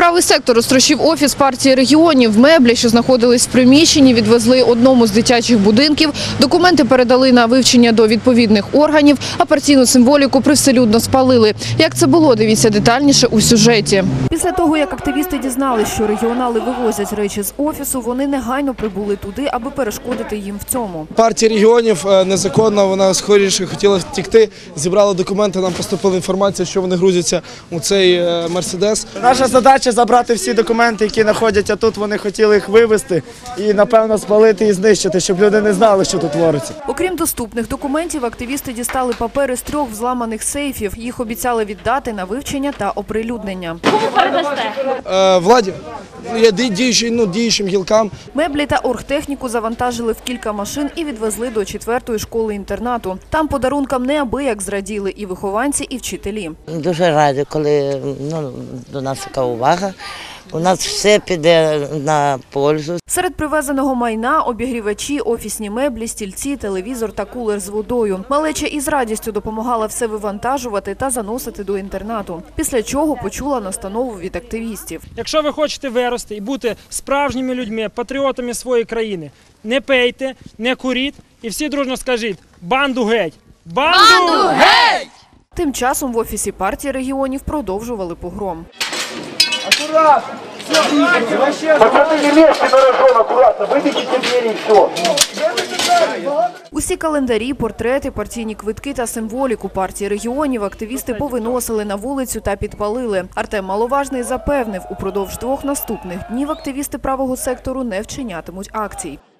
Правий сектор розтрощив офіс партії регіонів. Меблі, що знаходились в приміщенні, відвезли одному з дитячих будинків. Документи передали на вивчення до відповідних органів, а партійну символіку привселюдно спалили. Як це було, дивіться детальніше у сюжеті. Після того, як активісти дізналися, що регіонали вивозять речі з офісу, вони негайно прибули туди, аби перешкодити їм в цьому. Партія регіонів незаконна, вона скоріше хотіла втекти, зібрала документи, нам поступила інформація, що вони грузяться у цей Мерседес. Наша задача забрати всі документи, які знаходяться тут, вони хотіли їх вивезти і, напевно, спалити і знищити, щоб люди не знали, що тут твориться. Окрім доступних документів, активісти дістали папери з 3 взламаних сейфів. Їх обіцяли віддати на вивчення та оприлюднення. Кому передасте? Владі, діючим гілкам. Меблі та оргтехніку завантажили в кілька машин і відвезли до 4-ї школи-інтернату. Там подарункам неабияк зраділи і вихованці, і вчителі. Дуже раді, коли до нас така увага. У нас все піде на пользу. Серед привезеного майна – обігрівачі, офісні меблі, стільці, телевізор та кулер з водою. Малеча із радістю допомагала все вивантажувати та заносити до інтернату. Після чого почула настанову від активістів. Якщо ви хочете вирости і бути справжніми людьми, патріотами своєї країни, не пейте, не куріть і всі дружно скажіть «Банду геть! Банду геть!». Тим часом в офісі партії регіонів продовжували погром. Аккуратно! Пацаны, не лезьте на рожон, аккуратно, выбегите двери и все. Усі календарі, портрети, партійні квитки та символіку партії регіонів активісти повиносили на вулицю та підпалили. Артем Маловажний запевнив, упродовж 2 наступних днів активісти правого сектору не вчинятимуть акцій.